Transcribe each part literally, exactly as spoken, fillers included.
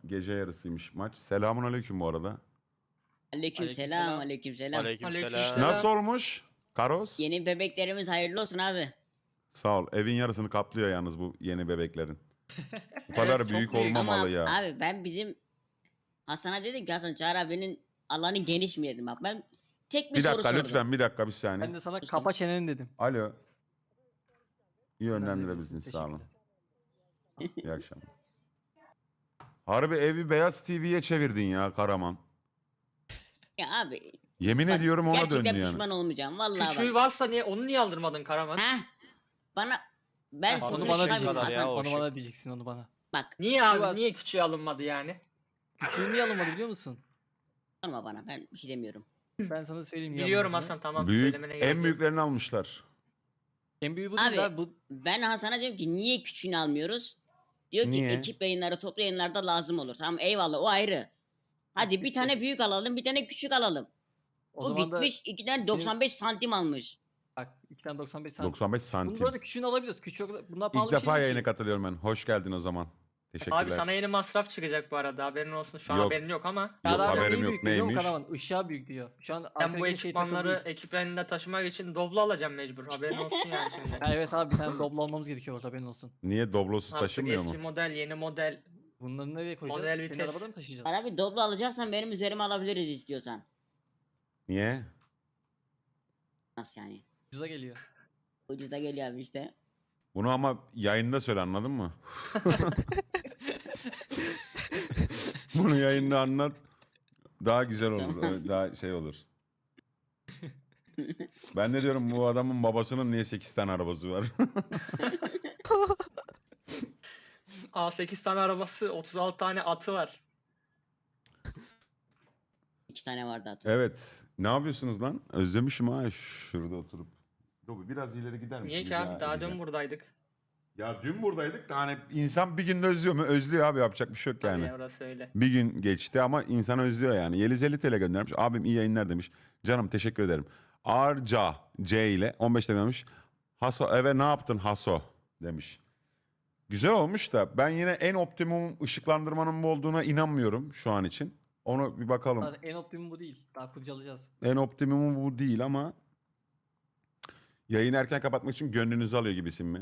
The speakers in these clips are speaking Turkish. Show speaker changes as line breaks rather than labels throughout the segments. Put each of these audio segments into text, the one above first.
gece yarısıymış maç. Selamun aleyküm bu arada.
Aleykümselam, aleykümselam.
Aleykümselam.
Nasıl olmuş Karos?
Yeni bebeklerimiz hayırlı olsun abi.
Sağ ol. Evin yarısını kaplıyor yalnız bu yeni bebeklerin. Bu kadar
Evet, çok
büyük
büyük.
olmamalı
Ama
ya.
abi ben bizim Hasan'a dedim ki Hasan Çağrı abinin alanı geniş mi dedim bak. Ben tek bir,
Bir
soru
dakika
sordum.
lütfen bir dakika bir saniye.
Ben de sana
Sus
kapa
lan.
çeneni dedim.
Alo. İyi
Yönlendirebilirsiniz,
yönlendirebilirsiniz sağ olun.
teşekkürler.
İyi akşamlar. Harbi evi Beyaz T V'ye çevirdin ya Karaman.
Ya abi
Yemin
bak,
ediyorum ona
gerçekten
döndü yani.
pişman olmayacağım vallahi
Küçüğü
bak.
varsa niye onu niye aldırmadın Karaman?
Ha? Bana ben
Ha,
Onu
sesimi
bana
şey
çıkarmayayım
diyeceksin.
kadar ya,
Hasan.
o
Onu
şey.
bana diyeceksin onu bana.
Bak
Niye abi?
Sivas.
Niye küçüğü alınmadı yani?
Küçüğü niye alınmadı biliyor musun?
sorma bana ben bir şey demiyorum.
Ben sana söyleyeyim. niye
Biliyorum
alınmadığını.
Hasan, tamam.
Büyük,
Söylemene gerek
en
yok.
büyüklerini almışlar.
En büyüğü bu değil
Abi
abi. Bu
ben Hasan'a diyorum ki niye küçüğünü almıyoruz? Diyor ki
Niye?
ekip yayınları toplu yayınlarda lazım olur. Tamam eyvallah o ayrı. Hadi bir tane büyük alalım bir tane küçük alalım.
o
O
zaman da
gitmiş ikiden doksan beş santim almış.
bak iki tane doksan beş santim.
doksan beş
Bunu
santim.
bu arada küçüğünü alabiliyoruz. Küçük bunlar pahalı
İlk
bir şey
defa
değil
yayına
ki.
katılıyorum ben. Hoş geldin o zaman. Teşekkürler.
Abi sana yeni masraf çıkacak bu arada, haberin olsun. Şu an
Yok.
haberin yok ama.
Yok,
Çağrı abi
haberim
neyi
yok,
büyük biliyor musun
neymiş?
Karaman? Işığa büyük diyor. Şu an
Ben
arkadaki
bu
şey
ekipmanları
takılı değil.
ekip elinde taşımak için Doblo alacağım mecbur. Haberin olsun yani şimdi.
Ha, evet abi bir tane doblo almamız gerekiyor orada haberin olsun.
Niye Doblosuz
Artık
taşımıyor
eski
mu?
model, yeni model.
Bunları nereye koyacağız?
Model
Senin
vites.
arabada mı taşıyacağız?
Bana bir doblo alacaksan benim üzerime alabiliriz istiyorsan.
Niye?
Nasıl yani?
Ucuza geliyor.
Ucuza geliyor abi işte.
Bunu ama yayında söyle anladın mı? Bunu yayında anlat. Daha güzel olur.
Tamam.
Daha şey olur. Ben de diyorum bu adamın babasının niye sekiz tane arabası var?
A sekiz tane arabası, otuz altı tane atı var.
İki tane vardı hatır.
Evet. Ne yapıyorsunuz lan? Özlemişim ha şurada oturup. Dur biraz ileri gider misin?
Niye ki abi? Daha dün buradaydık.
Ya dün buradaydık da hani insan bir günde özlüyor mu? Özlüyor abi, yapacak bir şey yok yani.
Yani orası öyle.
Bir gün geçti ama insan özlüyor yani. Yeliz elli T L göndermiş. Abim iyi yayınlar demiş. Canım teşekkür ederim. Arca C ile on beş lira demiş. Haso eve ne yaptın Haso demiş. Güzel olmuş da ben yine en optimum ışıklandırmanın bu olduğuna inanmıyorum şu an için. Onu bir bakalım.
Zaten en optimum bu değil. Daha kurcalayacağız.
En optimumu bu değil ama yayını erken kapatmak için gönlünüzü alıyor gibisin mi?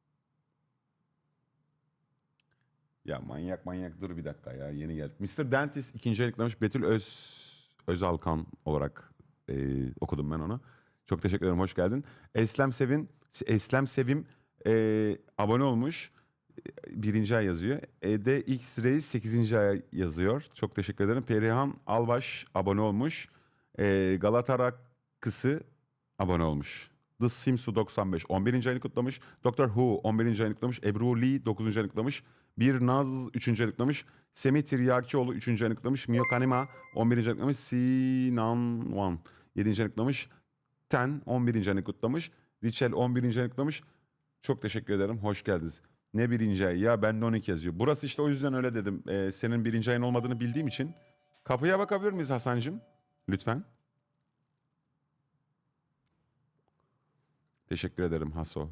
Ya manyak manyak dur bir dakika ya yeni geldik. mister Dentist ikinci ayıklamış Betül Öz Özalkan olarak e, okudum ben onu. Çok teşekkür ederim, hoş geldin. Eslem Sevin Eslem Sevim e, abone olmuş. E, Birinci ay yazıyor. E D X Reis sekizinci ay yazıyor. Çok teşekkür ederim. Perihan Albaş abone olmuş. E, Galata Kısı abone olmuş. The Simsu doksan beş on birinci ayını kutlamış. Doctor Who on birinci ayını kutlamış. Ebru Lee dokuzuncu ayını kutlamış. Bir Naz üçüncü ayını kutlamış. Semih Tiryakioğlu üçüncü ayını kutlamış. Mio Kanima on birinci ayını kutlamış. Sinan Wan yedinci ayını kutlamış. Ten on birinci ayını kutlamış. Richel on birinci ayını kutlamış. Çok teşekkür ederim. Hoş geldiniz. Ne birinci ay ya? Bende on iki yazıyor. Burası işte o yüzden öyle dedim. Ee, senin birinci ayın olmadığını bildiğim için. Kapıya bakabilir miyiz Hasancığım? Lütfen. Teşekkür ederim Haso.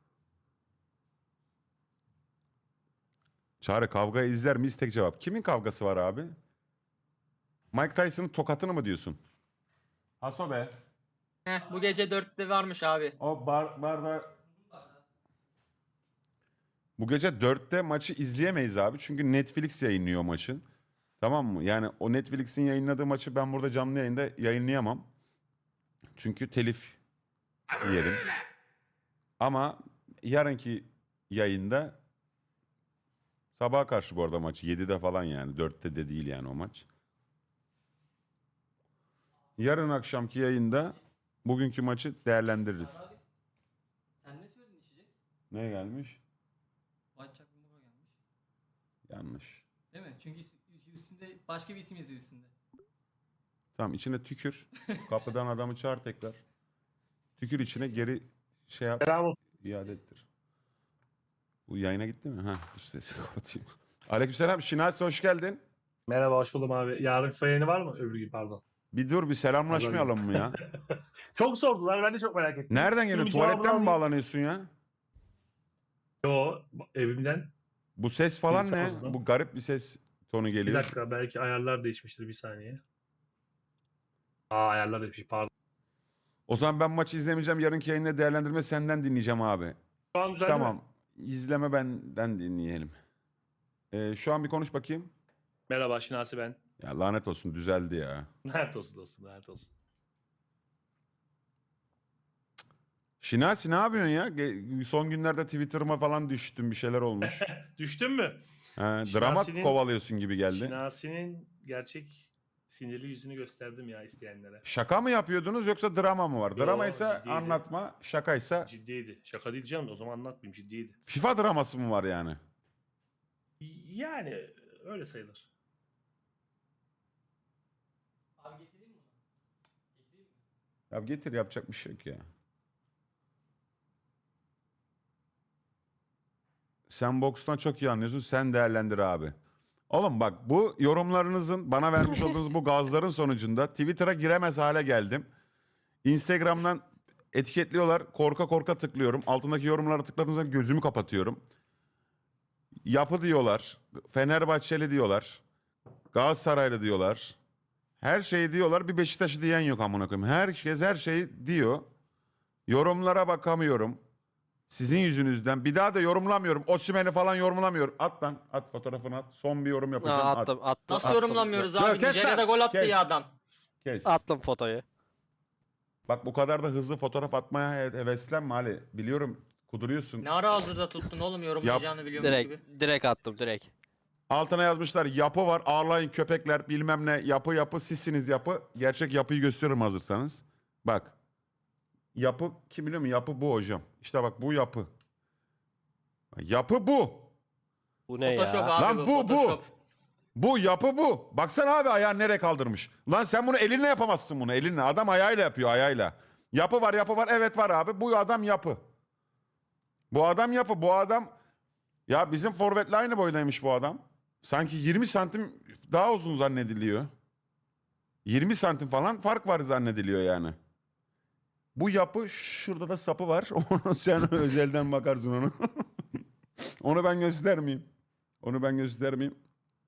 Çağrı kavgayı izler miyiz? Tek cevap. Kimin kavgası var abi? Mike Tyson'ın tokatını mı diyorsun? Haso be.
Heh, bu gece dörtte varmış abi.
O bar, barda... Bu gece dörtte maçı izleyemeyiz abi. Çünkü Netflix yayınlıyor maçı. Tamam mı? Yani o Netflix'in yayınladığı maçı ben burada canlı yayında yayınlayamam. Çünkü telif yerim. Ama yarınki yayında sabaha karşı bu arada maç. yedide falan yani. dörtte de değil yani o maç. Yarın akşamki yayında bugünkü maçı değerlendiririz.
Abi, sen ne söyledin içecek?
Ne gelmiş?
White Chocolate Mocha gelmiş.
Yanlış.
Değil mi? Çünkü is- üstünde başka bir isim yazıyor üstünde.
Tamam içine tükür. Kapıdan adamı çağır tekrar. Tükür içine geri şey yap.
Bravo.
İade ettir. Bu yayına gitti mi? Ha, dur sesi kapatayım. Aleykümselam. Şinasi hoş geldin.
Merhaba, hoş buldum abi. Yarın freni var mı? Öbür gün pardon.
Bir dur bir selamlaşmayalım mı ya?
Çok sordular, ben de çok merak ettim.
Nereden geliyor?
Bunun
Tuvaletten mi
cevabını
bağlanıyorsun ya?
Yo, evimden.
Bu ses falan
Bilgisayar
ne?
odasında.
Bu garip bir ses. tonu
Bir
geliyor.
dakika belki ayarlar değişmiştir bir saniye. Aa ayarlar değişmiş pardon.
O zaman ben maçı izlemeyeceğim. Yarınki yayında değerlendirme senden dinleyeceğim abi.
Şu an düzeldi mi?
Tamam. İzleme benden dinleyelim. Ee, şu an bir konuş bakayım.
Merhaba Şinasi ben.
Ya lanet olsun düzeldi ya.
Lanet olsun dostum, lanet olsun.
Şinasi ne yapıyorsun ya? Ge- Son günlerde Twitter'ıma falan düştün, bir şeyler olmuş.
Düştün mü?
Ha, drama
Şinasi'nin-
kovalıyorsun gibi geldi.
Şinasi'nin gerçek sinirli yüzünü gösterdim ya isteyenlere.
Şaka mı yapıyordunuz yoksa drama mı var?
Yo,
Drama ise
ciddiydi.
anlatma, şakaysa
Ciddiydi. Şaka değil canım, o zaman anlatmayayım, ciddiydi.
FIFA draması mı var yani?
Yani öyle sayılır.
Abi getireyim mi bunu? Getireyim mi?
Ya getir, yapacak bir şey yok ya. Sen bokstan çok iyi anlıyorsun. Sen değerlendir abi. Oğlum bak, bu yorumlarınızın, bana vermiş olduğunuz bu gazların sonucunda Twitter'a giremez hale geldim. Instagram'dan etiketliyorlar. Korka korka tıklıyorum. Altındaki yorumlara tıkladığım zaman gözümü kapatıyorum. Yapı diyorlar. Fenerbahçeli diyorlar. Galatasaraylı diyorlar. Her şeyi diyorlar. Bir Beşiktaş'ı diyen yok amına koyayım. Herkes her şeyi diyor. Yorumlara bakamıyorum. Sizin yüzünüzden. Bir daha da yorumlamıyorum. Osimhen'i falan yorumlamıyorum. At lan. At fotoğrafını at. Son bir yorum yapacağım.
Aa,
At.
attım, attım.
Nasıl
attım.
yorumlamıyoruz
Yok,
abi?
kes
Nijerya'da
lan,
gol attı
kes.
ya adam.
Kes.
Attım fotoyu.
Bak bu kadar da hızlı fotoğraf atmaya he- heveslenme Ali. Biliyorum kuduruyorsun.
Ne ara hazırda tuttun oğlum yorumlayacağını biliyormuş gibi.
Direkt, direkt attım direkt.
Altına yazmışlar yapı var, ağlayın köpekler bilmem ne, yapı yapı sizsiniz yapı. Gerçek yapıyı gösteririm hazırsanız. Bak. Yapı kim biliyor mu? Yapı bu hocam. İşte bak bu yapı. Yapı bu.
Bu ne
Photoshop
ya?
abi
Lan
bu,
bu, bu.
Photoshop.
Bu yapı bu. Baksana abi ayağını nereye kaldırmış. Lan sen bunu elinle yapamazsın bunu elinle. Adam ayağıyla yapıyor ayağıyla. Yapı var yapı var. Evet var abi. Bu adam yapı. Bu adam yapı. Bu adam... Ya bizim forvetle aynı boydaymış bu adam. Sanki yirmi santim daha uzun zannediliyor. yirmi santim falan fark var zannediliyor yani. Bu yapı, şurada da sapı var. Onu sen özelden bakarsın onu. Onu ben göstermeyeyim. Onu ben göstermeyeyim.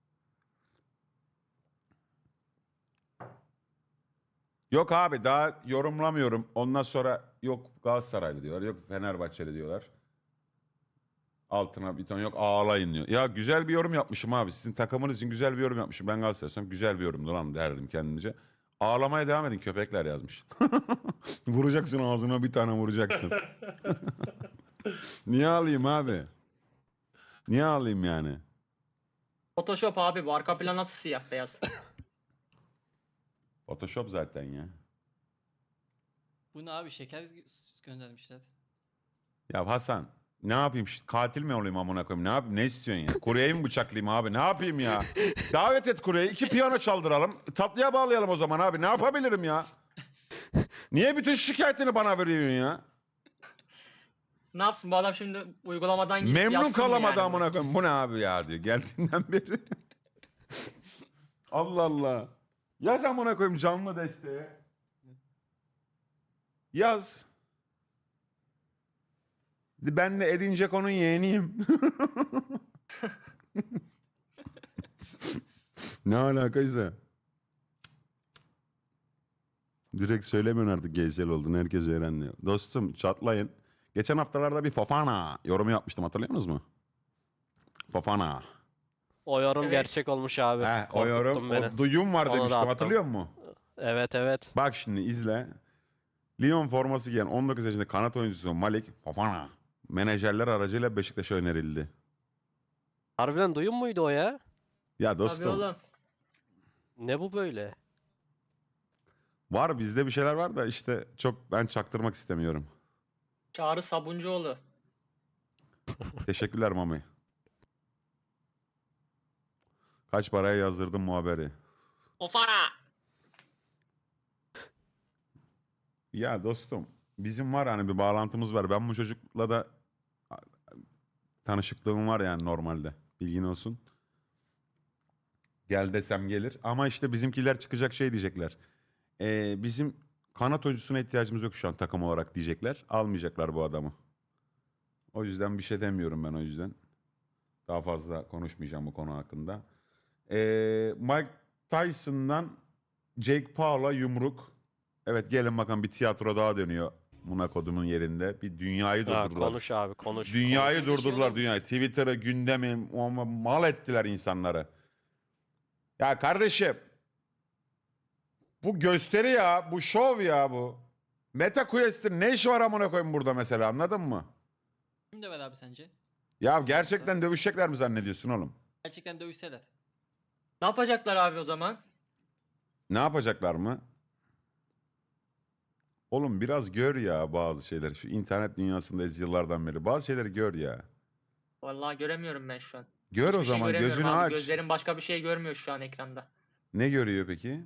Yok abi daha yorumlamıyorum. Ondan sonra yok Galatasaraylı diyorlar. Yok Fenerbahçeli diyorlar. Altına bir ton yok ağlayın diyor. Ya güzel bir yorum yapmışım abi. Sizin takımınız için güzel bir yorum yapmışım. Ben Galatasaraylıyım. Güzel bir yorumdu lan derdim kendimce. Ağlamaya devam edin köpekler yazmış. Vuracaksın ağzına bir tane vuracaksın. Niye ağlayayım abi? Niye ağlayayım yani?
Photoshop abi bu arka plan nasıl siyah beyaz?
Photoshop zaten ya.
Bu ne abi, şeker göndermişler.
Ya Hasan ne yapayım? Şi- Katil mi olayım amına koyayım? Ne yapayım? Ne istiyorsun ya? Kuryeyi mi bıçaklayayım abi? Ne yapayım ya? Davet et kuryeyi. İki piyano çaldıralım. Tatlıya bağlayalım o zaman abi. Ne yapabilirim ya? Niye bütün şikayetini bana veriyorsun ya?
Ne yapsın bu adam şimdi uygulamadan gidip
Memnun
yazsın mı
kalamadı
yani
amına koyayım. Bu ne abi ya diyor. Geldiğinden beri. Allah Allah. Yaz amına koyayım canlı desteğe. Yaz. Ben de Edin Dzeko'nun yeğeniyim. Ne alakaysa. Direkt söylemiyorsun artık geysel olduğunu. Herkes öğrendi. Dostum çatlayın. Geçen haftalarda bir Fofana yorumu yapmıştım, hatırlıyor musunuz mu? Fofana.
O yorum
Evet.
gerçek olmuş abi.
He, o
Korkuttun
yorum,
beni.
o duyum var
Onu da
demiştim,
attım.
hatırlıyor musun?
Evet evet.
Bak şimdi izle. Lyon forması giyen on dokuz yaşında kanat oyuncusu Malik Fofana menajerler aracıyla Beşiktaş'a önerildi.
Harbiden duyum muydu o ya?
Ya
Tabii
dostum
oğlum.
Ne bu böyle?
var bizde bir şeyler var da işte çok ben çaktırmak istemiyorum.
Çağrı Sabuncuoğlu.
Teşekkürler Mami. Kaç paraya yazdırdım bu haberi?
Ofara.
Ya dostum bizim var hani bir bağlantımız var. Ben bu çocukla da tanışıklığım var yani normalde. Bilgin olsun. Gel desem gelir. Ama işte bizimkiler çıkacak şey diyecekler. Ee, bizim kanat oyuncusuna ihtiyacımız yok şu an takım olarak diyecekler. Almayacaklar bu adamı. O yüzden bir şey demiyorum ben o yüzden. Daha fazla konuşmayacağım bu konu hakkında. Ee, Mike Tyson'dan Jake Paul'a yumruk. Evet gelin bakın bir tiyatro daha dönüyor. Monaco'nun yerinde. Bir dünyayı
Ha,
durdurdular.
konuş abi konuş.
Dünyayı
Konuş.
durdurdular dünyayı. Twitter'ı, gündemi ama mal ettiler insanları. Ya kardeşim bu gösteri ya, bu şov ya bu. Meta Quest'in ne işi var amına koyayım burada mesela anladın mı?
Kim döver abi sence?
Ya gerçekten dövüşecekler mi zannediyorsun oğlum?
Gerçekten dövüşseler.
Ne yapacaklar abi o zaman?
Ne yapacaklar mı? Oğlum biraz gör ya bazı şeyleri. Şu internet dünyasındayız yıllardan beri. Bazı şeyleri gör ya.
Vallahi göremiyorum ben şu an.
Gör o
Hiçbir şey
zaman
göremiyorum
gözünü
abi.
aç.
Gözlerim başka bir şey görmüyor şu an ekranda.
Ne görüyor peki?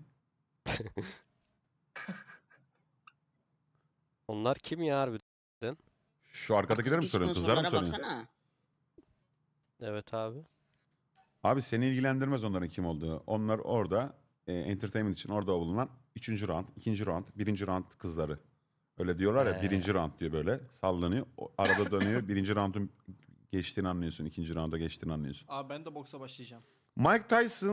Onlar kim ya harbiden?
Şu arkadakileri mi
Akıllı
soruyorsun? Kızlar mı
sponsorlara
soruyorsun?
baksana.
Evet abi.
Abi seni ilgilendirmez onların kim olduğu. Onlar orada e, entertainment için orada bulunan üçüncü round, ikinci round, birinci round kızları. Öyle diyorlar ya
He.
birinci round diyor böyle sallanıyor. O arada dönüyor birinci roundun geçtiğini anlıyorsun. İkinci rounda geçtiğini anlıyorsun.
Abi ben de boksa başlayacağım.
Mike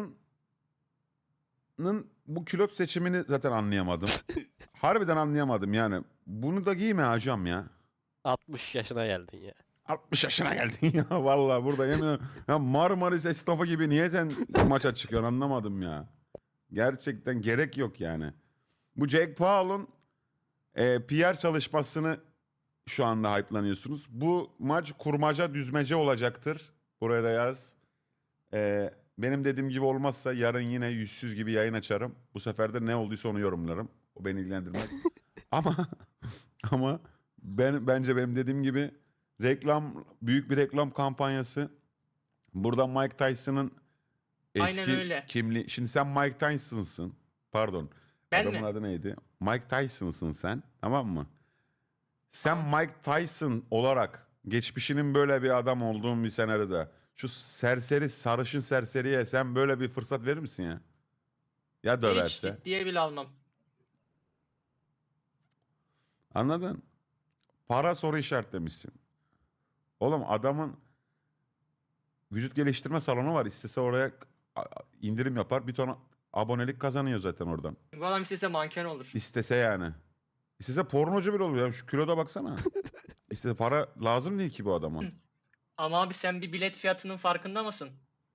Tyson'ın bu külot seçimini zaten anlayamadım. Harbiden anlayamadım yani. Bunu da giyme hocam ya.
altmış yaşına geldin ya.
altmış yaşına geldin ya vallahi burada yemin ederim. Ya Marmaris esnafı gibi niye sen maça çıkıyorsun anlamadım ya. Gerçekten gerek yok yani. Bu Jake Paul'un e, P R çalışmasını şu anda hype'lanıyorsunuz. Bu maç kurmaca düzmece olacaktır. Buraya da yaz. E, benim dediğim gibi olmazsa yarın yine yüzsüz gibi yayın açarım. Bu sefer de ne olduysa onu yorumlarım. O beni ilgilendirmez. ama ama ben bence benim dediğim gibi reklam büyük bir reklam kampanyası. Burada Mike Tyson'ın eski
Aynen öyle.
kimliği. Şimdi sen Mike Tyson'sın. Pardon.
Ben
Adamın
mi?
adı neydi? Mike Tyson'sın sen. Tamam mı? Sen
Tamam.
Mike Tyson olarak geçmişinin böyle bir adam olduğun bir senaryoda şu serseri sarışın serseriye sen böyle bir fırsat verir misin ya? Ya
Hiç
döverse.
ciddiye bile almam.
Anladın? Para soru işaretlemişsin. Oğlum adamın vücut geliştirme salonu var. İstese oraya a- a- indirim yapar. Bir ton abonelik kazanıyor zaten oradan.
Bu adam istese manken olur.
İstese yani. İstese pornocu bile olur. Ya şu kiloda baksana. İstese para lazım değil ki bu adama.
Ama abi sen bir bilet fiyatının farkında mısın?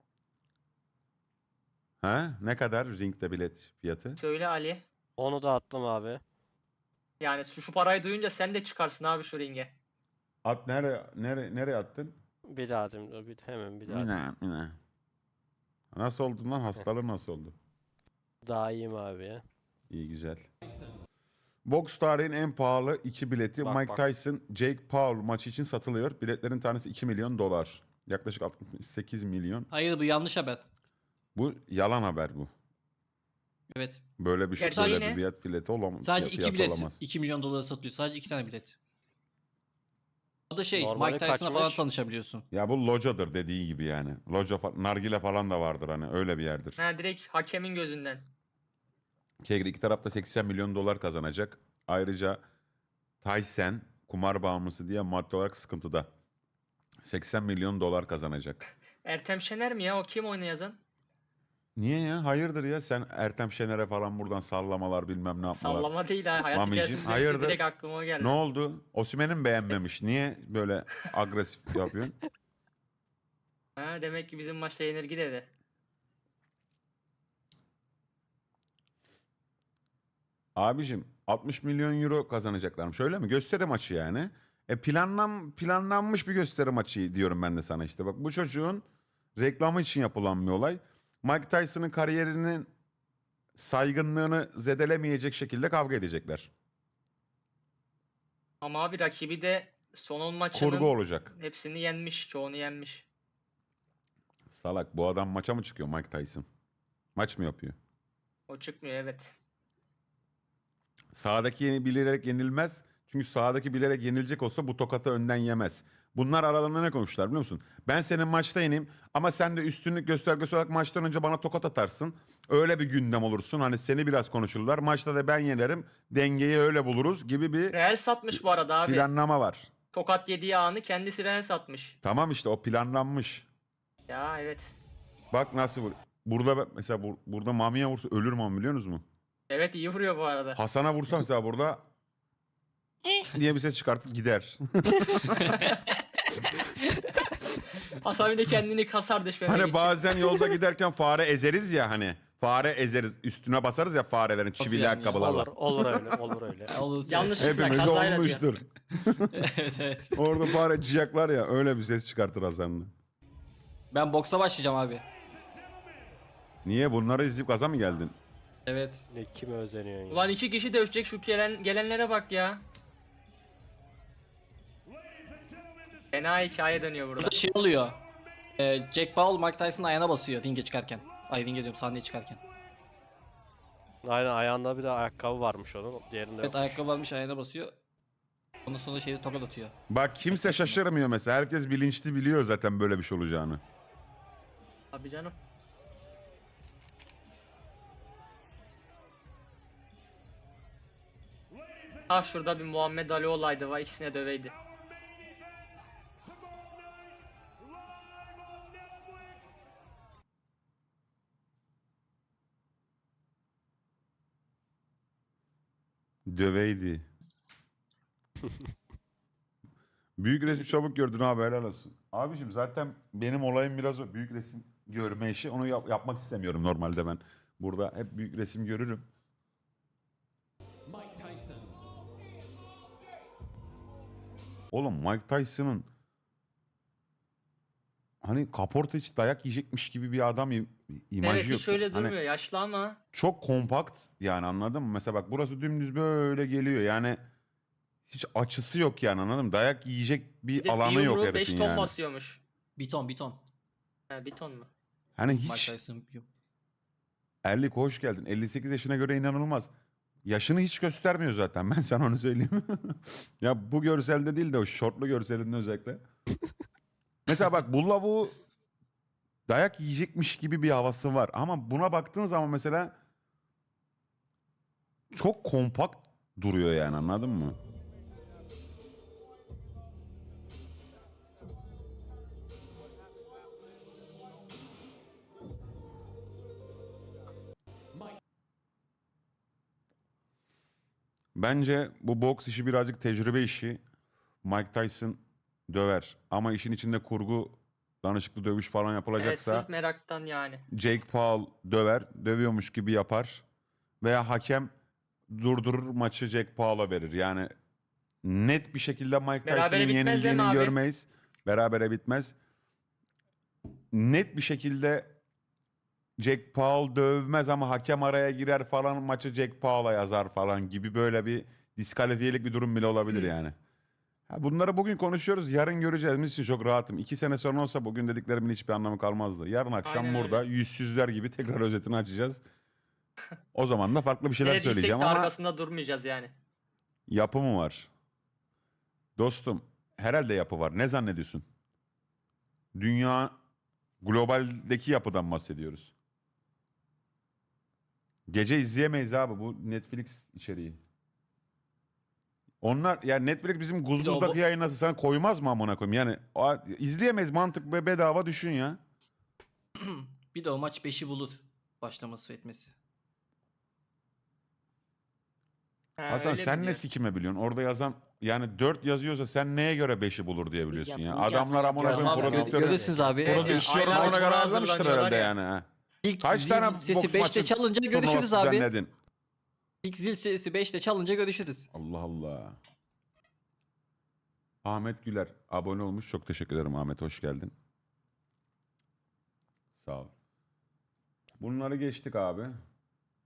Ha? Ne kadar ringde bilet fiyatı?
Söyle Ali.
Onu da attım abi.
Yani şu, şu parayı duyunca sen de çıkarsın abi şu ringe.
At nereye nereye nereye attın?
Bir daha dedim. dur, Bir, hemen bir daha.
Mina, mina. Nasıl oldu lan? Hastalığın nasıl oldu?
Daha iyiyim abi ya.
İyi güzel. Boks tarihin en pahalı iki bileti
Bak,
Mike
bak.
Tyson, Jake Paul maçı için satılıyor. Biletlerin tanesi iki milyon dolar. Yaklaşık altmış sekiz milyon.
Hayır bu yanlış haber.
Bu yalan haber bu.
Evet.
Böyle bir şey
Gerçi
böyle
yine-
bir bilet bileti olamaz.
Sadece
fiyat
iki bilet
olamaz.
iki milyon dolara satılıyor. Sadece iki tane bilet. O da şey
Normali
Mike Tyson'la falan
kaçmış?
tanışabiliyorsun.
Ya bu locadır dediği gibi yani. Loca fa- nargile falan da vardır hani öyle bir yerdir.
Ha direkt hakemin gözünden.
Kegri iki tarafta seksen milyon dolar kazanacak. Ayrıca Tyson kumar bağımlısı diye maddi olarak sıkıntıda. seksen milyon dolar kazanacak.
Ertem Şener mi ya? O kim oyunu yazan?
Niye ya? Hayırdır ya? Sen Ertem Şener'e falan buradan sallamalar bilmem ne yapmalar.
Sallama değil ha. Hayat
Mamicim,
hikayesi
hayırdır?
direkt aklıma o geldi.
Ne oldu? Osimhen'i mi beğenmemiş? Niye böyle agresif yapıyorsun?
Ha, demek ki bizim maçta yenilgi dedi.
Abicim altmış milyon euro kazanacaklarmış öyle mi? Gösteri maçı yani. E planlan, planlanmış bir gösteri maçı diyorum ben de sana işte. Bak bu çocuğun reklamı için yapılan bir olay. Mike Tyson'ın kariyerinin saygınlığını zedelemeyecek şekilde kavga edecekler.
Ama abi rakibi de son on maçının
Kurgu olacak.
hepsini yenmiş. Çoğunu yenmiş.
Salak bu adam maça mı çıkıyor Mike Tyson? Maç mı yapıyor?
O çıkmıyor evet.
Sağdaki yeni bilerek yenilmez. Çünkü sağdaki bilerek yenilecek olsa bu tokatı önden yemez. Bunlar aralarında ne konuştular biliyor musun? Ben senin maçta yeneyim ama sen de üstünlük göstergesi olarak maçtan önce bana tokat atarsın. Öyle bir gündem olursun. Hani seni biraz konuşurlar. Maçta da ben yenerim. Dengeyi öyle buluruz gibi bir
Real satmış bu arada abi.
planlama var.
Tokat yediği anı kendisi Real satmış.
Tamam işte o planlanmış.
Ya evet.
Bak nasıl vur. burada ben- mesela bur- burada Mami'ye vursa ölür Mami biliyor musunuz mu?
Evet iyi vuruyor bu arada.
Hasan'a vursa mesela burada diye bir ses çıkartıp gider.
Hasan bir de kendini kasar düşmemek
Hani
için.
bazen yolda giderken fare ezeriz ya hani. Fare ezeriz. Üstüne basarız ya farelerin çivili
yani ya?
ayakkabılarla.
Olur, olur öyle, olur öyle.
Olur.
Yanlış-
Hepimiz
Kazayla
olmuştur.
evet evet.
Orada fare ciyaklar ya öyle bir ses çıkartır Hasan'la.
Ben boksa başlayacağım abi.
Niye bunları izleyip gaza mı geldin?
Evet.
Ne kime özeniyorsun ya?
Ulan iki kişi dövüşecek şu gelen, gelenlere bak ya. Fena hikaye dönüyor burada.
Burada şey oluyor. Ee, Jack Paul Mike Tyson'ın ayağına basıyor ringe çıkarken. Ay ringe diyorum sahneye çıkarken.
Aynen ayağında bir de ayakkabı varmış onun. Diğerinde
Evet
yok.
ayakkabı almış ayağına basıyor. Ondan sonra şeyde tokat atıyor.
Bak kimse şaşırmıyor mesela. Herkes bilinçli biliyor zaten böyle bir şey olacağını.
Abi canım. Ah şurada bir Muhammed Ali olaydı var ikisine döveydi.
Döveydi. Büyük resmi çabuk gördün abi helal olsun. Abiciğim zaten benim olayım biraz o büyük resim görme işi. Onu yap- yapmak istemiyorum normalde ben. Burada hep büyük resim görürüm. Oğlum Mike Tyson'ın hani kaporta hiç dayak yiyecekmiş gibi bir adam im- imajı
Evet
yok.
hiç öyle
Hani
durmuyor yaşlı ama.
çok kompakt yani anladın mı? Mesela bak burası dümdüz böyle geliyor yani hiç açısı yok yani anladın mı? Dayak yiyecek bir
Bir de
alanı
bir
yok
yumruğu beş
herifin
ton
yani.
basıyormuş.
Bir ton bir ton.
He bir ton mu?
Hani
Mike
hiç
Tyson bir-
Erlik hoş geldin. elli sekiz yaşına göre inanılmaz. Yaşını hiç göstermiyor zaten ben sana onu söyleyeyim. Ya bu görselde değil de o şortlu görselinde özellikle. Mesela bak bu lavuğu dayak yiyecekmiş gibi bir havası var. Ama buna baktığın zaman mesela çok kompakt duruyor yani anladın mı? Bence bu boks işi birazcık tecrübe işi. Mike Tyson döver. Ama işin içinde kurgu, danışıklı dövüş falan
Evet
yapılacaksa
sırf meraktan yani.
Jake Paul döver, dövüyormuş gibi yapar. Veya hakem durdurur maçı Jake Paul'a verir. Yani net bir şekilde Mike
Berabere
Tyson'ın
bitmez değil mi
yenildiğini
abi?
görmeyiz. Berabere bitmez. Net bir şekilde Jake Paul dövmez ama hakem araya girer falan maçı Jake Paul'a yazar falan gibi böyle bir diskalifiyelik bir durum bile olabilir yani. Ha, bunları bugün konuşuyoruz. Yarın göreceğiz. Bizim için çok rahatım. İki sene sonra olsa bugün dediklerimin hiçbir anlamı kalmazdı. Yarın akşam
Aynen
burada
öyle.
yüzsüzler gibi tekrar özetini açacağız. O zaman da farklı bir şeyler
Ne dediysek
söyleyeceğim
de
ama
arkasında durmayacağız yani.
yapı mı var? Dostum herhalde yapı var. Ne zannediyorsun? Dünya globaldeki yapıdan bahsediyoruz. Gece izleyemeyiz abi bu Netflix içeriği. Onlar yani Netflix bizim
Bir de o
Guzguz'daki
bu-
yayınlası sana koymaz mı amına koyayım? Yani o, izleyemeyiz mantık ve bedava düşün ya.
Bir de o maç beşi bulur. Başlaması ve etmesi.
He,
Hasan
öyle
sen ne
biliyor.
sikime biliyorsun? Orada yazan yani dört yazıyorsa sen neye göre beşi bulur diye biliyorsun ya.
Yapımcı
Adamlar amına
yazıyor,
koyayım
yapıyor.
prodüktörü.
Görüyorsunuz abi.
Evet,
Produ
yani
iş yorumuna
aylarca
göre
buna
hazırlamıştır
hazırlanıyorlar
herhalde
ya.
yani. ha.
İlk
Kaç
zil
tane
sesi
boks
beşte
maçı
çalınca
turnuvası
görüşürüz abi.
düzenledin?
İlk zil sesi beşte çalınca görüşürüz.
Allah Allah. Ahmet Güler abone olmuş. Çok teşekkür ederim Ahmet. Hoş geldin. Sağ ol. Bunları geçtik abi.